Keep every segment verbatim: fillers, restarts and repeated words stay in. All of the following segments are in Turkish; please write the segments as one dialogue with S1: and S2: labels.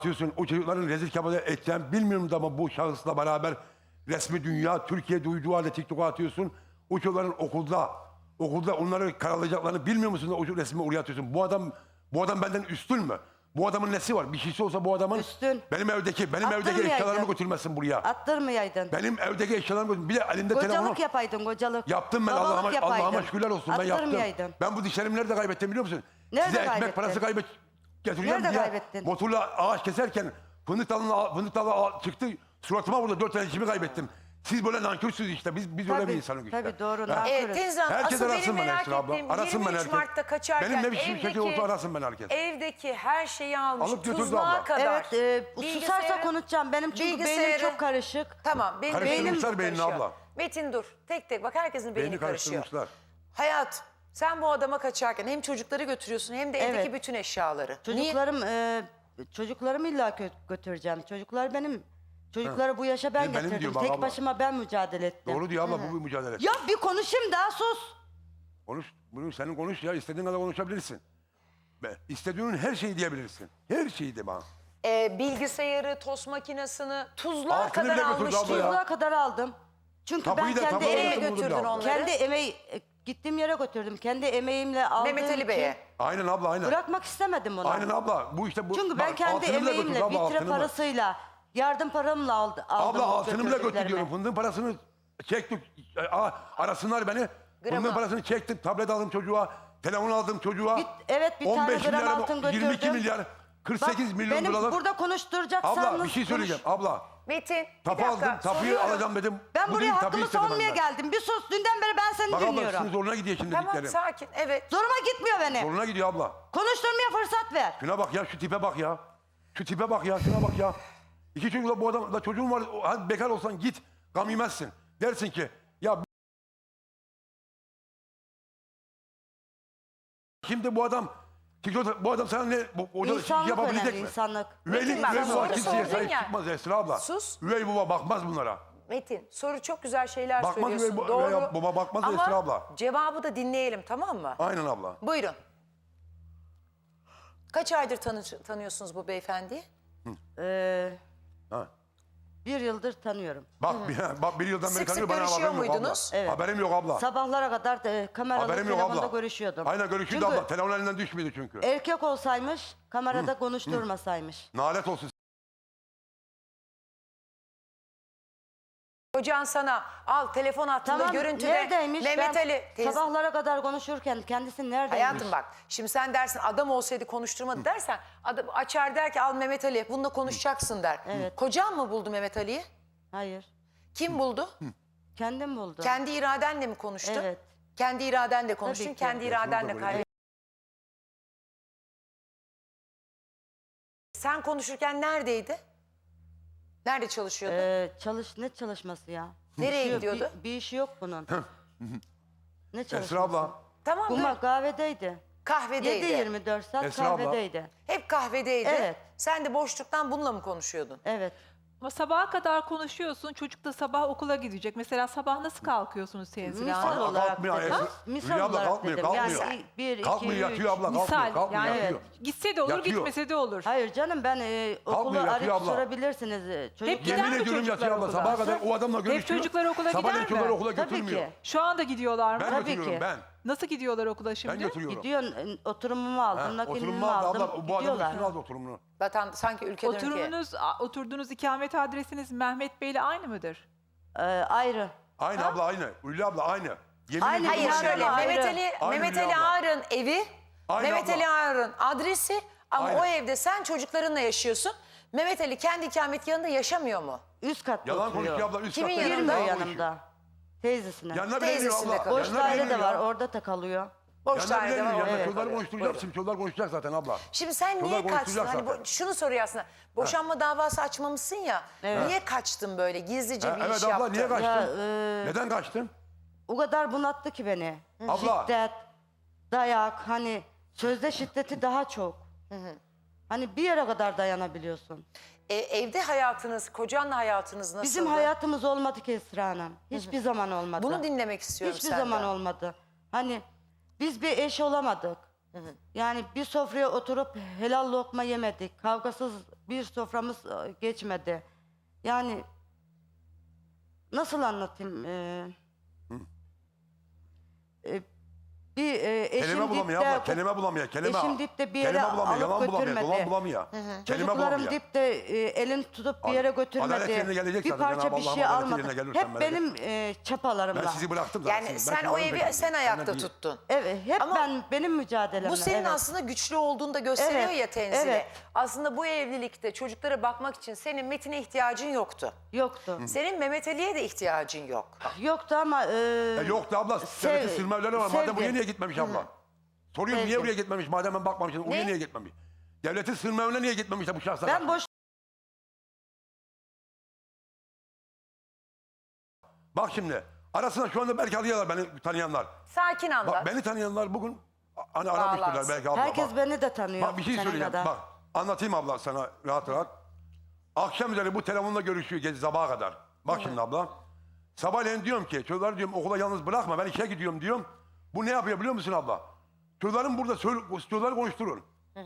S1: Diyorsun o çocukların rezil kabul edeceğim bilmiyorum da ama bu şahısla beraber resmi dünya Türkiye duyduğu halde TikTok'a atıyorsun. O çocukların okulda okulda onları karalayacaklarını bilmiyor musun da o resmi oraya atıyorsun. Bu adam bu adam benden üstün mü? Bu adamın nesi var? Bir şeysi olsa bu adamın
S2: Üstün.
S1: benim evdeki benim evdeki
S2: Attırmayaydın.
S1: eşyalarımı götürmesin buraya.
S2: Attırmayaydın.
S1: Benim evdeki eşyalarımı götür. Bir de elinde telefonu.
S2: Kocalık yapaydın kocalık.
S1: Yaptım ben
S2: Babalık
S1: Allah'ıma
S2: yapaydın.
S1: Allah'ıma şükürler olsun ben yaptım.
S2: Attırmayaydın.
S1: Ben bu dişlerimi nerede kaybettim biliyor musun?
S2: Nerede
S1: Size ekmek
S2: kaybettin?
S1: parası kaybet getireceğim
S2: Nerede
S1: diye
S2: kaybettin?
S1: motorla ağaç keserken fındık dalına fındık dalı çıktı suratıma vurdu dört tane dişimi kaybettim. Siz böyle nankörsünüz işte biz biz öyle bir insanız işte.
S2: Tabii doğru.
S1: Ha?
S2: nankörüz.
S3: Evet Teyze Hanım,
S1: Herkes
S3: asıl benim
S1: arasın beni
S3: merak
S1: Esra abla.
S3: ettiğim
S1: Arasın beni
S3: yirmi üç
S1: herkes.
S3: Mart'ta kaçarken
S1: Benim ne biçim şekil
S3: evdeki,
S1: olsa arasın beni herkes.
S3: evdeki her şeyi almış,
S1: Alıp götürdü
S3: tuzluğa
S1: abla.
S3: kadar.
S2: Evet, e,
S3: Bilgisayarı-
S2: susarsa konuşacağım. Benim çünkü beynim
S3: bilgisayarı-
S2: çok karışık.
S3: Tamam, benim beynim
S1: Karıştırmışlar
S3: çok
S1: beynini
S3: karışıyor.
S1: abla.
S3: Metin dur, tek tek bak herkesin beyni
S1: Beyni
S3: karışıyor.
S1: karıştırmışlar.
S3: Hayat, sen bu adama kaçarken hem çocukları götürüyorsun hem de evdeki
S2: Evet.
S3: bütün eşyaları. Niye?
S2: Çocuklarım, e, çocuklarımı illa gö- götüreceğim. Çocuklar benim. Çocukları bu yaşa ben
S1: Benim diyor
S2: getirdim.
S1: bak
S2: Tek
S1: abla.
S2: başıma ben mücadele ettim.
S1: Doğru diyor abla bu bir mücadele.
S2: Ya bir konuşayım daha sus.
S1: Konuş. Bunu senin konuş ya istediğin kadar konuşabilirsin. Be, istediğinin her şeyi diyebilirsin. Her şeyi de bana.
S3: Ee, bilgisayarı, tost makinesini tuzluğa
S1: Altını
S3: kadar
S1: bile götürdü
S3: almış
S1: abla
S3: diyor.
S1: ya.
S2: Tuzluğa kadar aldım. Çünkü
S1: Tapuyu
S2: ben
S1: da-
S2: kendi
S1: tapuyu da
S3: Nereye
S2: emeğim,
S1: götürdü
S3: götürdün
S1: abla.
S3: onları?
S2: kendi emeği e, gittiğim yere götürdüm. Kendi emeğimle aldığım
S3: Mehmet Ali
S2: için
S3: Bey'e.
S1: Aynen abla aynen.
S2: bırakmak istemedim onu.
S1: Aynen abla. Bu işte bu.
S2: Çünkü ben
S1: bak,
S2: kendi
S1: altını bile götürdü
S2: emeğimle,
S1: abla,
S2: vitre
S1: altını bile.
S2: parasıyla, yardım paramla aldı, aldım.
S1: Abla
S2: o
S1: altını bile götür
S2: götürdüklerimi.
S1: diyorum. Fındığın parasını çektik. Aa, arasınlar beni.
S3: Gramı.
S1: Fındığın parasını çektim. Tablet aldım çocuğa. Telefon aldım çocuğa.
S2: Bir- evet, bir tane gram
S1: milyar,
S2: altın
S1: yirmi iki
S2: götürdüm.
S1: milyar. kırk sekiz
S2: Bak,
S1: milyon
S2: benim
S1: dolar.
S2: burada konuşturacaksanız
S1: Abla bir şey söyleyeceğim.
S2: konuş.
S1: Abla.
S3: Metin, bir
S1: Tapu
S3: dakika.
S1: aldım. Tapuyu
S3: soruyorum.
S1: alacağım dedim.
S2: Ben
S1: Bu
S2: buraya
S1: değil, tapuyu
S2: hakkımı
S1: istedi
S2: savunmaya
S1: benden.
S2: geldim. Bir sus, dünden beri ben seni
S1: Bak abla
S2: dinliyorum.
S1: sizin zoruna gidiyor şimdi
S3: Tamam,
S1: dediklerim.
S3: sakin, evet.
S2: Zoruma gitmiyor benim.
S1: Zoruna gidiyor abla.
S2: Konuşturmaya fırsat ver.
S1: Şuna bak ya şu tipe bak ya. Şu tipe bak ya şuna bak ya. İki çocukla bu adam da çocuğun var. o- Hadi bekar olsan git. Gam yemezsin. Dersin ki ya şimdi bu adam TikTok bu adam sana ne bu, o da
S2: İnsanlık
S1: yapabilecek
S2: önemli,
S1: mi?
S2: insanlık.
S1: Üveylik,
S3: Metin, bak,
S1: üvey baba
S3: soru
S1: kimseye
S3: sordun
S1: sahip
S3: ya.
S1: çıkmaz Esra abla.
S3: Sus.
S1: Üvey baba bakmaz bunlara.
S3: Metin, soru çok güzel şeyler
S1: Bakmaz
S3: söylüyorsun.
S1: ve bu-
S3: Doğru.
S1: veya baba bakmaz
S3: Ama
S1: Esra abla.
S3: cevabı da dinleyelim, tamam mı?
S1: Aynen abla.
S3: Buyurun. Kaç aydır tanı tanıyorsunuz bu beyefendiyi?
S2: Ee,
S1: Ha.
S2: bir yıldır tanıyorum.
S1: Bak, bir, bak bir yıldan beri
S3: Sık sık
S1: tanıyor bana
S3: görüşüyor
S1: haberim yok abla.
S3: muydunuz?
S2: Evet.
S1: Haberim yok abla.
S2: Sabahlara kadar e, kameralı
S1: Haberim yok
S2: telefonda
S1: abla.
S2: görüşüyordum.
S1: Aynen görüşüyordu
S2: Çünkü
S1: abla. Telefon elinden düşmüyordu çünkü.
S2: erkek olsaymış kamerada konuşturmasaymış.
S1: Nalet olsun.
S3: Kocan sana al telefon hattında
S2: Tamam,
S3: görüntüde
S2: neredeymiş?
S3: Mehmet
S2: Ben
S3: Ali. teyze-
S2: sabahlara kadar konuşurken kendisi neredeymiş?
S3: Hayatım bak şimdi sen dersin adam olsaydı konuşturmadı dersen adam açar der ki al Mehmet Ali bununla konuşacaksın der.
S2: Evet.
S3: Kocan mı buldu Mehmet Ali'yi?
S2: Hayır.
S3: Kim buldu?
S2: Kendim buldum.
S3: Kendi iradenle mi konuştun?
S2: Evet.
S3: Kendi iradenle konuştun,
S2: Tabii ki.
S3: kendi
S1: Ya, şurada
S3: iradenle
S1: böyle-
S3: kaybettin. Sen konuşurken neredeydi? Nerede çalışıyordu?
S2: Ee, çalış ne çalışması ya?
S3: Nereye
S2: Bir şey-
S3: gidiyordu?
S2: Bir, bir işi yok bunun. Ne çalışması?
S1: Esra abla.
S3: Tamam mı?
S2: Kuma kahvedeydi.
S3: Kahvedeydi.
S2: yedi yirmi dört saat
S1: Esra abla.
S2: kahvedeydi.
S3: Hep kahvedeydi.
S2: Evet.
S3: Sen de boşluktan bununla mı konuşuyordun?
S2: Evet.
S4: Ama sabaha kadar konuşuyorsun. Çocuk da sabah okula gidecek. Mesela sabah nasıl kalkıyorsunuz Tenzile
S2: Misal
S4: Hanım?
S2: olarak
S1: kalkmıyor
S2: dedim.
S1: Esra.
S2: Misal
S1: Hülya abla
S2: olarak
S1: kalkmıyor,
S2: dedim.
S1: kalkmıyor.
S2: Yani bir, iki,
S1: Kalkmıyor
S2: üç.
S1: yatıyor abla kalkmıyor.
S4: Misal
S1: Kalkmıyor
S4: yani
S1: yatıyor.
S4: gitse de olur
S1: Yatıyor.
S4: gitmese de olur.
S2: Hayır canım ben e, okulu
S1: Kalkmıyor, yatıyor
S2: arayıp
S1: abla.
S2: sorabilirsiniz. e, Çocuk
S4: Hep gider
S1: Yemin
S4: mi
S1: ediyorum
S4: çocuklar
S1: yatıyor abla
S4: okula?
S1: sabaha kadar o adamla görüşüyor.
S4: çocuklar okula
S1: Sabahleyin
S4: gider
S1: çocukları
S4: mi?
S1: okula
S2: Tabii
S1: götürmüyor.
S2: ki.
S4: Şu anda gidiyorlar mı?
S1: Ben
S2: Tabii
S1: götürüyorum
S2: ki.
S1: ben.
S4: Nasıl gidiyorlar okula şimdi?
S1: Ben götürüyorum.
S2: Gidiyorsun e, oturumumu aldım,
S1: Ha,
S2: nakilimi
S1: oturumunu aldı
S2: aldım.
S1: abla. Bu adamın
S2: gidiyorlar.
S1: üstüne aldı oturumunu.
S3: Zaten sanki ülkeden ülkeye.
S4: Oturumunuz, a- oturduğunuz ikamet adresiniz Mehmet Bey'le aynı mıdır?
S2: E, ayrı.
S1: Aynı abla aynı. Hülya abla aynı. Yemin
S2: Aynı
S1: ediyorum
S3: Hayır
S2: Bunlar
S3: şöyle
S2: ama
S3: Mehmet
S2: ayrı.
S3: Ali,
S1: Aynı
S3: Mehmet
S1: Hülya
S3: Ali
S1: abla.
S3: Ağar'ın evi,
S1: Aynı
S3: Mehmet
S1: abla.
S3: Ali Ağar'ın adresi ama
S1: Aynı.
S3: o evde sen çocuklarınla yaşıyorsun. Mehmet Ali kendi ikametgahında yaşamıyor mu?
S2: Üst katta
S1: Yalan
S2: oturuyor.
S1: konuşuyor abla. Üst
S3: Kimin
S1: katta
S3: yanında?
S1: yalan
S2: Girmiyor
S1: konuşuyor.
S2: yanımda. Teyzesine.
S1: Yanına bile
S3: Teyzesinde
S1: iniyor abla.
S3: kalıyor.
S2: Boş
S1: Yanına bile
S2: daire de
S1: iniyor
S2: var
S1: ya.
S2: orada da kalıyor.
S3: Boş
S1: Yanına bile
S3: dairede var.
S1: iniyor.
S3: orada
S1: Yanında çocuklar
S3: kalıyor.
S1: konuşturacak.
S3: Buyurun.
S1: Şimdi çocuklar konuşacak zaten abla.
S3: Şimdi sen
S1: Çocuklar
S3: niye kaçtın?
S1: konuşturacak
S3: Hani
S1: zaten.
S3: bu, şunu soruyor aslında. Boşanma davası açmamışsın ya.
S2: Evet.
S3: Niye kaçtın böyle? Gizlice
S1: Ha,
S3: bir
S1: evet
S3: iş
S1: abla
S3: yaptın.
S1: niye kaçtın?
S2: Ya, e,
S1: Neden kaçtın?
S2: O kadar bunattı ki beni.
S1: Abla.
S2: Şiddet, dayak, hani sözde şiddeti daha çok. Hani bir yere kadar dayanabiliyorsun.
S3: E, evde hayatınız, kocanla hayatınız nasıldı?
S2: Bizim hayatımız olmadı ki Esra Hanım. Hiçbir zaman olmadı.
S3: Bunu dinlemek istiyorum
S2: Hiçbir
S3: senden.
S2: zaman olmadı. Hani biz bir eş olamadık. Yani bir sofraya oturup helal lokma yemedik. Kavgasız bir soframız e, geçmedi. Yani nasıl anlatayım? Ee, e, bir e, eşim
S1: Kelime bulamıyor
S2: dipte-
S1: abla. Kelime bulamıyor. Kelime,
S2: eşim dipte bir yere
S1: kelime bulamıyor.
S2: alıp
S1: Yalan bulamıyor.
S2: götürmedi.
S1: Dolan bulamıyor. Kelime
S2: Çocuklarım
S1: bulamıyor.
S2: dipte e, elini tutup bir yere
S1: Adalet
S2: götürmedi.
S1: yerine gelecek
S2: Bir
S1: zaten.
S2: parça
S1: Cenab-ı
S2: bir
S1: Allah'ın
S2: şey
S1: adaleti
S2: almadı.
S1: yerine gelirsen
S2: Hep
S1: ben
S2: benim e, çapalarımla.
S1: Ben sizi bıraktım zaten.
S3: Yani
S1: Siz
S3: sen
S1: belki
S3: o
S1: onu
S3: evi
S1: beklediniz.
S3: sen
S1: Benden
S3: ayakta
S1: değil.
S3: tuttun.
S2: Evet, hep
S3: Ama
S2: ben benim mücadelemle.
S3: Bu senin
S2: evet.
S3: aslında güçlü olduğunu da gösteriyor
S2: Evet,
S3: ya Tenzile.
S2: evet.
S3: Aslında bu evlilikte çocuklara bakmak için senin Metin'e ihtiyacın yoktu.
S2: Yoktu.
S3: Senin Mehmet Ali'ye de ihtiyacın yok.
S2: Yoktu ama e,
S1: Ya yoktu abla.
S2: Sev-
S1: Devletin sırmaları var. Madem
S2: sevgi.
S1: buraya niye gitmemiş abla? Soruyorum niye
S2: Sevgi.
S1: buraya gitmemiş? Madem ben bakmamışım. Oraya
S3: Ne?
S1: niye gitmemiş? Devletin sırmalarına niye gitmemiş de bu şahslar?
S2: ben boş
S1: Bak şimdi. Arasında şu anda belki alıyorlar beni tanıyanlar.
S3: Sakin anlat.
S1: Bak beni tanıyanlar bugün hani aramıştırlar
S3: Bağlansın.
S1: belki abla.
S2: herkes
S1: bak.
S2: beni de tanıyor.
S1: Bak bir şey
S2: senin
S1: söyleyeceğim.
S2: kadar.
S1: Bak anlatayım abla sana rahat rahat. Akşam üzeri bu telefonla görüşüyor gece sabaha kadar. Bak şimdi abla. Sabahleyin diyorum ki çocukları diyorum okula yalnız bırakma ben işe gidiyorum diyorum. Bu ne yapıyor biliyor musun abla? Çocukların burada söyle, çocukları konuşturun.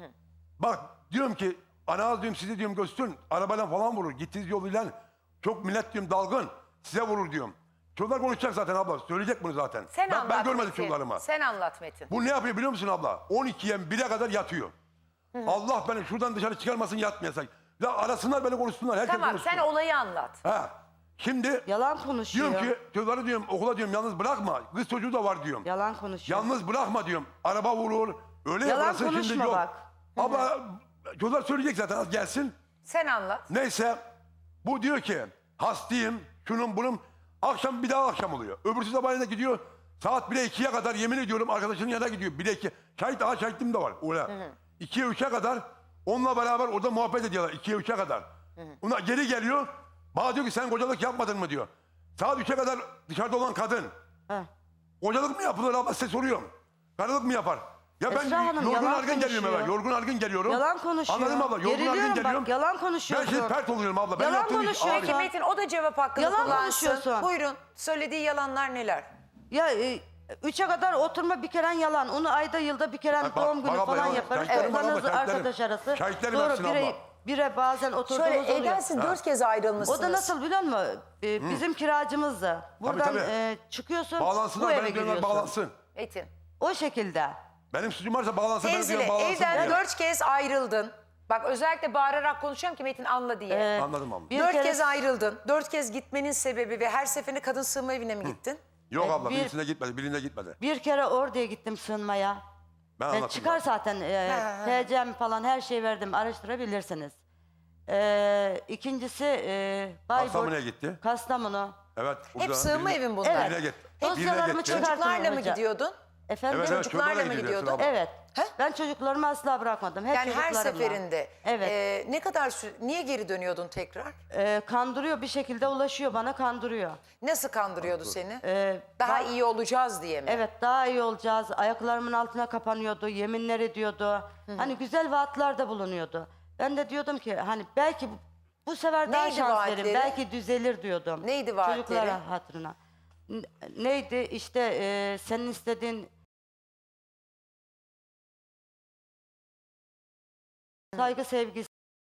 S1: Bak diyorum ki ana diyorum sizi diyorum gösterün. Arabayla falan vurur. Gittiğiniz yoluyla çok millet diyorum dalgın. Size vurur diyorum. Çocuklar konuşacak zaten abla. Söyleyecek bunu zaten.
S3: Sen
S1: ben,
S3: anlat
S1: ben görmedim
S3: Metin.
S1: çocuklarımı.
S3: Sen anlat Metin.
S1: Bu ne yapıyor biliyor musun abla? on ikiye bire kadar yatıyor. Allah beni şuradan dışarı çıkarmasın yatmayasak. Ya arasınlar beni konuşsunlar. Herkes
S3: Tamam
S1: konuşsun.
S3: sen olayı anlat.
S1: Ha. Şimdi
S2: Yalan konuşuyor.
S1: diyorum ki çocukları diyorum okula diyorum yalnız bırakma. Kız çocuğu da var diyorum.
S2: Yalan konuşuyor.
S1: Yalnız bırakma diyorum. Araba vurur. Öyle
S2: Yalan
S1: yaparsın şimdi
S2: konuşma
S1: yok.
S2: bak.
S1: Abla çocuklar söyleyecek zaten az gelsin.
S3: Sen anlat.
S1: Neyse bu diyor ki hastayım şunun bunun. Akşam bir daha akşam oluyor. Öbürsü sabahleyin gidiyor. Saat bire ikiye kadar yemin ediyorum arkadaşının yanına gidiyor. bire iki. Şahit daha şahitim de var. Öyle. ikiye üçe kadar onunla beraber orada muhabbet ediyorlar. ikiye üçe kadar. Ona geri geliyor. Bana diyor ki sen kocalık yapmadın mı diyor. Saat üçe kadar dışarıda olan kadın.
S2: Heh.
S1: Kocalık mı yapılır abla size soruyorum. Karılık mı yapar? Ya ben
S2: Esra Hanım,
S1: yorgun
S2: yalan
S1: argın geliyorum
S2: konuşuyor.
S1: eve. Yorgun argın geliyorum.
S2: Yalan konuşuyor.
S1: Anladın mı abla? Yorgun
S2: Geriliyorum
S1: argın
S2: bak,
S1: geliyorum.
S2: yalan
S1: Ben
S2: konuşuyorsun.
S1: şimdi pert oluyorum abla. Ben
S2: Yalan
S1: yaptığım iş
S2: konuşuyor.
S1: ağır.
S3: Peki Metin o da cevap hakkını
S2: Yalan
S3: kullansın.
S2: konuşuyorsun.
S3: Buyurun söylediği yalanlar neler?
S2: Ya e, üçe kadar oturma bir kere yalan. Onu ayda yılda bir kere
S1: bak,
S2: doğum günü
S1: bak abla,
S2: falan
S1: yalan.
S2: yaparız.
S1: Şahitlerim var abla,
S2: Toplanırız
S1: şahitlerim.
S2: arkadaş arası.
S1: Şahitlerim
S2: Sonra
S1: hepsini
S2: bire,
S1: abla.
S2: bire bazen oturduğumuz
S3: Şöyle
S2: oluyor.
S3: evden siz dört kez ayrılmışsınız.
S2: O da nasıl biliyor musun? Ee, bizim kiracımızdı. Buradan
S1: tabii.
S2: e, çıkıyorsun,
S1: Bağlansınlar.
S2: bu eve
S1: Benim diyorlar
S2: giriyorsun.
S1: bağlansın.
S3: Metin.
S2: O şekilde.
S1: Benim suçum varsa bağlansın. Benim
S3: Tenzile
S1: diyorum bağlansın
S3: evden
S1: diyor.
S3: dört kez ayrıldın. Bak özellikle bağırarak konuşacağım ki Metin anla diye.
S2: Ee,
S1: Anladım abla.
S2: bir
S3: dört
S2: kere-
S3: kez ayrıldın. Dört kez gitmenin sebebi ve her seferinde kadın sığınma evine mi gittin?
S1: Yok
S2: e,
S1: abla
S2: bir-
S1: birisine gitmedi. Birine gitmedi.
S2: Bir kere oraya gittim sığınmaya.
S1: Ben
S2: E,
S1: anlatayım.
S2: çıkar zaten e, T C'm falan her şeyi verdim. Araştırabilirsiniz. E, ikincisi e, Bayburt.
S1: Kastamonu'ya gitti.
S2: Kastamonu.
S1: Evet.
S3: Hep
S1: burada
S3: sığınma
S1: birine-
S3: evin bunlar.
S2: Evet.
S1: Birine gitti.
S2: Dosyalarımı
S1: Birine gitti.
S2: çıkar-
S3: Çocuklarla mı
S2: hocam.
S3: gidiyordun?
S2: Efendim?
S1: Evet, evet,
S3: Çocuklarla
S1: çocuklarla
S3: mı
S1: gidiyor
S3: gidiyordun?
S1: Esra abla.
S2: Evet. Ben çocuklarımı asla bırakmadım. Hep
S3: Yani her
S2: çocuklarımla.
S3: seferinde.
S2: Evet.
S3: e, ne kadar süre, niye geri dönüyordun tekrar?
S2: E, kandırıyor bir şekilde ulaşıyor bana kandırıyor.
S3: Nasıl kandırıyordu seni?
S2: E,
S3: Daha
S2: ba-
S3: iyi olacağız diye mi?
S2: Evet daha iyi olacağız. Ayaklarımın altına kapanıyordu. Yeminler ediyordu. Hani güzel vaatlerde bulunuyordu. Ben de diyordum ki hani belki bu, bu sefer daha
S3: Neydi
S2: şans
S3: vaatleri?
S2: verin. Belki düzelir diyordum.
S3: Neydi vaatleri?
S2: Çocuklara hatırına. N- Neydi işte e, senin istediğin saygı sevgisi.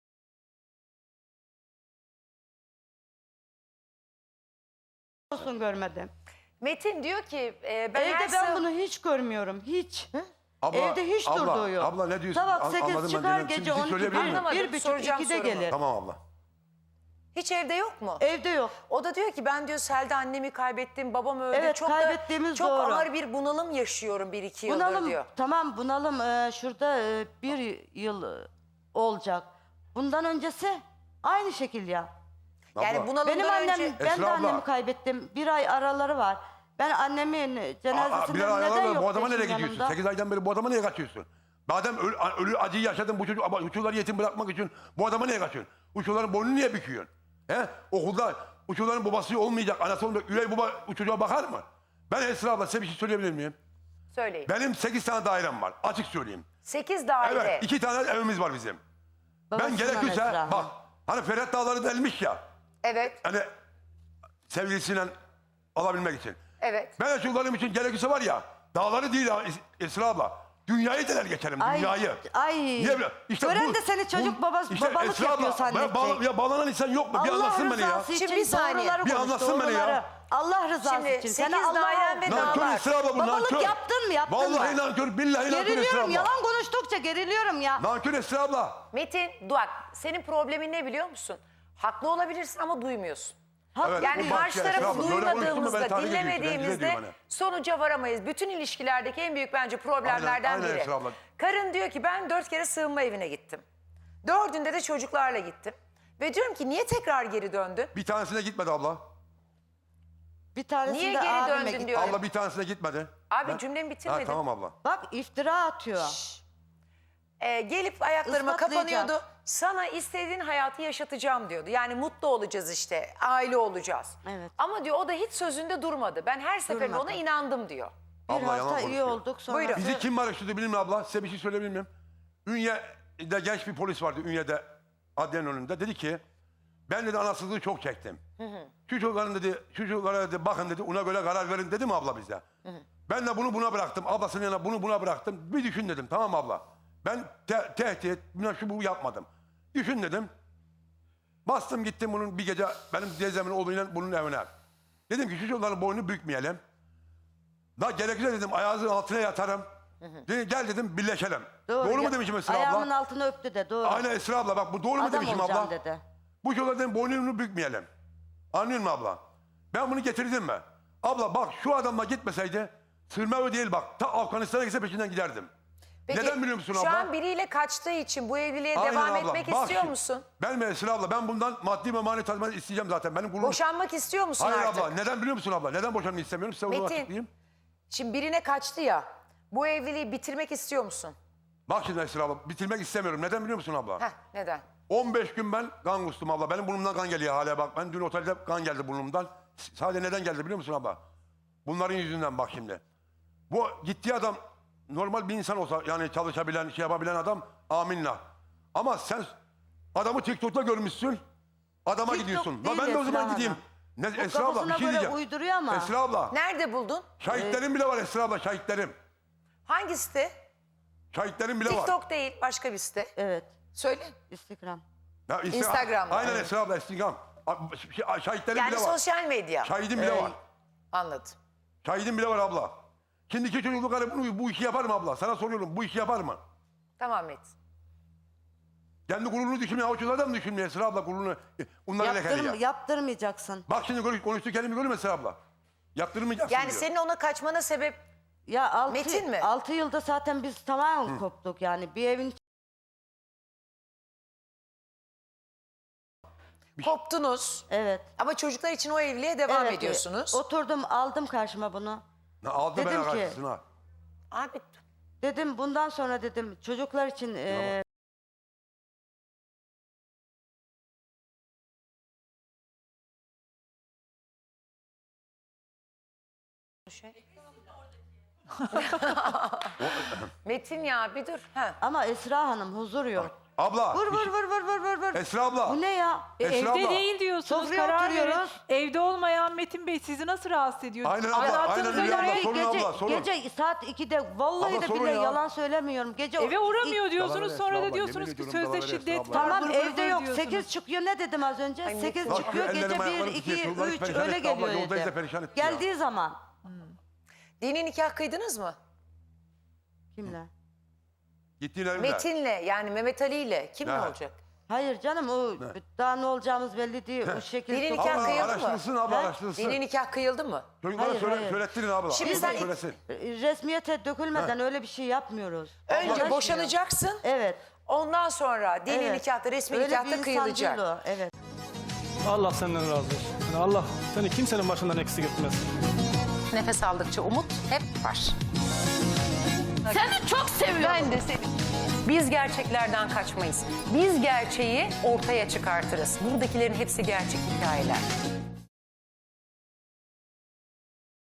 S2: Olsun görmedim.
S3: Metin diyor ki e, ben
S2: Evde
S3: her
S2: ben
S3: sığ-
S2: bunu hiç görmüyorum. Hiç.
S1: Abla,
S2: Evde hiç
S1: abla,
S2: durduğu yok.
S1: Abla ne diyorsun?
S2: Sabah
S1: An-
S2: sekiz
S1: anladım ben,
S2: çıkar
S1: dinledim.
S2: gece
S1: Şimdi
S2: on iki
S1: söyleyebilir miyim?
S2: bir,
S3: Anlamadım,
S2: bir buçuk
S3: soracağım
S2: ikide
S3: sorumu.
S2: gelir.
S1: Tamam abla.
S3: hiç evde yok mu?
S2: Evde yok.
S3: O da diyor ki ben diyor Selda annemi kaybettim, babam öldü.
S2: Evet,
S3: çok da,
S2: kaybettiğimiz
S3: çok
S2: doğru.
S3: ağır bir bunalım yaşıyorum bir iki yıldır
S2: Bunalım
S3: diyor.
S2: tamam bunalım e, şurada e, bir yıl e, olacak. Bundan öncesi aynı şekil ya.
S3: Yani
S1: Abla.
S3: bunalımdan
S2: Benim annem
S3: önce...
S2: ben de
S1: Esra abla.
S2: annemi kaybettim. Bir ay araları var. Ben annemin
S1: Aa,
S2: cenazesinde
S1: bir ara
S2: neden
S1: ayarlar,
S2: yok
S1: bu adama nereye
S2: eşim
S1: gidiyorsun?
S2: yanımda?
S1: sekiz aydan beri bu adama niye kaçıyorsun? Madem ölü, ölü acıyı yaşadın bu çocuk, ama uçurları yetim bırakmak için bu adama niye kaçıyorsun? Uçurların boynunu niye büküyorsun? He? Okulda uçurların babası olmayacak, anası olmayacak. Üvey baba çocuğa bakar mı? Ben Esra abla size bir şey söyleyebilir miyim?
S3: Söyleyin.
S1: Benim sekiz tane dairem var. Açık söyleyeyim.
S3: Sekiz daire.
S1: Evet. iki tane evimiz var bizim. Ben
S2: Babasından
S1: gerekirse
S2: Esra.
S1: bak hani Ferhat Dağları delmiş ya.
S3: Evet,
S1: Hani sevgilisiyle alabilmek için.
S3: evet.
S1: Ben de çocuklarım için gerekirse var ya dağları değil ha Es- Esra abla. Dünyayı deler geçerim,
S2: Ay,
S1: dünyayı.
S2: ay.
S1: Niye böyle? İşte
S2: Gören
S1: bu-
S2: de seni çocuk
S1: bu-
S2: babası,
S1: işte
S2: babalık
S1: Esra
S2: yapıyor
S1: abla,
S2: zannedecek.
S1: bağla- ya bağlanan insan yok mu? Bir
S2: Allah
S1: anlatsın beni ya.
S2: rızası için
S3: Şimdi bir saniye.
S2: doğruları
S1: Bir
S2: konuş,
S1: anlatsın beni ya.
S2: doğruları. Allah rızası
S3: Şimdi
S2: için.
S3: sekiz
S2: Seni Allah
S3: dairem ve
S1: Nankör
S3: dağlar.
S1: Esra abla bu,
S2: Babalık
S1: nankör.
S2: yaptın mı, yaptın
S1: Vallahi
S2: mı?
S1: nankör, billahi nankör Esra
S2: Geriliyorum,
S1: abla.
S2: yalan konuştukça geriliyorum ya.
S1: Nankör Esra abla.
S3: Metin, bak senin problemin ne biliyor musun? Haklı olabilirsin ama duymuyorsun.
S2: Haklı
S1: Evet,
S3: Yani
S1: bu
S2: değil.
S3: karşı
S1: başka Esra
S3: tarafı
S1: abla. Böyle konuştun mu ben
S3: duymadığımızda,
S1: tahrik ediyorum, rencide
S3: dinlemediğimizde
S1: ediyorum hani.
S3: sonuca varamayız. Bütün ilişkilerdeki en büyük bence problemlerden
S1: Aynen, aynen
S3: biri.
S1: Esra abla.
S3: Karın diyor ki ben dört kere sığınma evine gittim. Dördünde de çocuklarla gittim. Ve diyorum ki niye tekrar geri döndün?
S1: Bir tanesine gitmedi abla.
S2: Bir tanesinde
S3: Niye geri
S2: abime
S3: döndün
S2: gitti.
S3: diyor.
S1: Abla bir tanesine gitmedi.
S3: Abi
S1: Ben-
S3: cümlemi
S1: Ha,
S3: bitirmedim.
S1: tamam abla.
S2: Bak iftira atıyor.
S3: Ee, gelip ayaklarıma
S2: Ispatlayacak.
S3: kapanıyordu. Sana istediğin hayatı yaşatacağım diyordu. Yani mutlu olacağız işte, aile olacağız.
S2: Evet.
S3: Ama diyor o da hiç sözünde durmadı. Ben her seferinde
S2: Durmadı.
S3: ona inandım diyor.
S2: Bir
S1: Abla yalan
S2: hafta iyi
S1: konuşuyor.
S2: olduk sonra.
S3: Buyurun.
S1: Bizi kim araştırdı bilmiyorum abla. Size bir şey söyleyebilir miyim? Ünye'de genç bir polis vardı Ünye'de adliyenin önünde. Dedi ki ben dedi anasızlığı çok çektim. Şu çocukların dedi, şu çocuklara dedi bakın dedi ona göre karar verin dedi mi abla bize? Ben de bunu buna bıraktım. Ablasının yanına bunu buna bıraktım. Bir düşün dedim tamam mı abla? Ben te- tehdit, buna şu bu yapmadım. Düşün dedim. Bastım gittim bunun bir gece benim teyzemin oğluyla bunun evine. Dedim ki şu çocukların boynunu bükmeyelim. Da gerekirse dedim ayağınızın altına yatarım. Dedi, gel dedim birleşelim. Doğru,
S2: Ya-
S1: mu demişim Esra
S2: Ayağımın
S1: abla?
S2: altını öptü de doğru.
S1: Aynen Esra abla bak bu doğru mu
S2: Adam
S1: demişim
S2: olacağım
S1: abla?
S2: dedi.
S1: Bu çocukların boynunu bükmeyelim. Anlıyor musun abla? Ben bunu getirdim mi? Abla bak şu adamla gitmeseydi sırma o değil bak. Ta Afganistan'a gitse peşinden giderdim. Neden biliyor musun
S3: şu
S1: abla?
S3: an biriyle kaçtığı için bu evliliğe
S1: Aynen
S3: devam
S1: abla.
S3: etmek
S1: Bak
S3: istiyor
S1: şimdi,
S3: musun?
S1: Ben mi Esra abla ben bundan maddi ve manevi tazminat isteyeceğim zaten. Benim gururum.
S3: Boşanmak istiyor musun
S1: Hayır
S3: artık?
S1: abla neden biliyor musun abla? Neden boşanmayı istemiyorum? Size onu
S3: Metin.
S1: açıklayayım.
S3: Şimdi birine kaçtı ya. Bu evliliği bitirmek istiyor musun?
S1: Bak şimdi Esra abla bitirmek istemiyorum. Neden biliyor musun abla?
S3: Heh, neden?
S1: on beş gün ben kan kustum abla. Benim burnumdan kan geliyor hala bak. Ben dün otelde kan geldi burnumdan. Sadece neden geldi biliyor musun abla? Bunların yüzünden bak şimdi. Bu gittiği adam normal bir insan olsa yani çalışabilen, şey yapabilen adam aminla. Ama sen adamı TikTok'ta görmüşsün. Adama
S2: TikTok
S1: gidiyorsun.
S2: değil
S1: La ben de o zaman
S2: Esra
S1: gideyim.
S2: Hanım.
S1: Ne,
S2: Bu
S1: Esra abla bir
S2: kafasına
S1: şey
S2: göre
S1: diyeceğim.
S2: uyduruyor ama.
S1: Esra abla.
S3: Nerede buldun?
S1: Şahitlerim bile var Esra abla şahitlerim.
S3: Hangi site?
S1: Şahitlerim bile var.
S3: TikTok değil, başka bir site.
S2: Evet.
S3: Söyle.
S2: Instagram.
S1: Ya Insta-
S3: Instagram'da,
S1: Aynen
S3: evet.
S1: Esra abla Instagram. Ş- Şahitlerim
S3: Yani
S1: bile var.
S3: sosyal medya.
S1: Şahidim bile
S2: Evet.
S1: var.
S3: Anladım.
S1: Şahidim bile var abla. Şimdiki çocuklukları bunu, bu işi yapar mı abla? Sana soruyorum bu işi yapar mı?
S3: Tamam Metin.
S1: Kendi gururunu düşünmüyor. Avuçlarda da mı düşünmüyor Esra abla gururunu? E, Onlara lekeli
S2: Yaptırm
S1: ya.
S2: yaptırmayacaksın.
S1: Bak şimdi konuş, konuştuğu kelime görüyor musun Esra abla? Yaptırmayacaksın
S3: Yani
S1: diyor.
S3: senin ona kaçmana sebep
S2: Ya altı,
S3: Metin mi?
S2: altı yılda zaten biz tamamen koptuk yani. Bir evin
S3: koptunuz.
S2: evet.
S3: Ama çocuklar için o evliliğe devam
S2: evet,
S3: ediyorsunuz.
S2: Oturdum aldım karşıma bunu.
S1: Ne, aldı
S2: Dedim
S1: bana
S2: ki-
S1: karşısına.
S3: Abi
S2: Dedim bundan sonra dedim çocuklar için e,
S3: Metin ya bir dur. Ha.
S2: ama Esra Hanım huzur yok.
S1: Abla.
S2: Vur
S1: bir
S2: vur
S1: şey-
S2: vur vur vur vur vur.
S1: Esra abla.
S2: Bu ne ya?
S4: E,
S1: Esra
S4: evde
S1: abla.
S4: değil diyorsunuz.
S2: Sofraya
S4: Karar verin.
S2: oturuyoruz.
S4: Evde olmayan Metin Bey sizi nasıl rahatsız ediyor?
S1: Aynen abla,
S4: Anlattığınıza
S1: aynen öyle
S4: göre
S1: abla. Sorun
S2: gece,
S1: abla, sorun.
S2: gece saat ikide vallahi
S1: Abla,
S2: de
S1: sorun
S2: bile
S1: ya.
S2: yalan söylemiyorum. Gece
S4: eve uğramıyor diyorsunuz
S1: Yalan
S4: sonra
S1: Esra
S4: da
S1: abla,
S4: diyorsunuz
S1: yemin
S4: ki
S1: ediyorum
S4: sözde
S1: yalan Esra
S4: şiddet
S1: abla.
S4: var.
S2: Tamam
S4: vır vır
S2: evde
S4: vır
S2: yok.
S4: diyorsunuz.
S2: sekiz çıkıyor ne dedim az önce?
S3: Ay,
S2: sekiz
S3: Metin.
S2: çıkıyor.
S1: Bak,
S2: Gece
S1: ellerim
S2: bir,
S1: ayaklarım
S2: iki,
S1: titriyor, çocuklar
S2: üç
S1: perişan
S2: öyle
S1: etti abla,
S2: geliyor
S1: yoldayız da
S2: evde.
S1: perişan etti ya.
S2: Geldiği zaman.
S3: Dini nikah kıydınız mı?
S2: Kimle?
S1: Gittiğin evde.
S3: Metin'le yani Mehmet Ali'yle kimle
S1: Ha.
S3: olacak?
S2: Hayır canım o daha ne olacağımız belli değil. O şekilde.
S3: Dini
S2: çok-
S3: nikah
S1: Abla
S3: kıyıldı mı?
S1: araştırsın abla
S2: Ha?
S1: araştırsın.
S3: Dini nikah kıyıldı mı?
S1: Çocuklara
S2: Hayır,
S1: söyle,
S2: hayır.
S1: söylettirin abla.
S3: Şimdi
S1: Çocuklar
S3: sen-
S1: söylesin.
S2: Resmiyete dökülmeden öyle bir şey yapmıyoruz.
S3: Önce
S2: Anlaşmıyor.
S3: boşanacaksın.
S2: Evet.
S3: Ondan sonra dini
S2: evet.
S3: nikahta, resmi
S2: Öyle bir
S3: nikahta
S2: insan
S3: kıyılacak.
S2: değil o, evet.
S5: Allah senden razı olsun. Yani Allah seni kimsenin başından eksik etmez.
S3: Nefes aldıkça umut hep var.
S6: Seni çok seviyorum.
S3: Ben de seni. Biz gerçeklerden kaçmayız. Biz gerçeği ortaya çıkartırız. Buradakilerin hepsi gerçek hikayeler.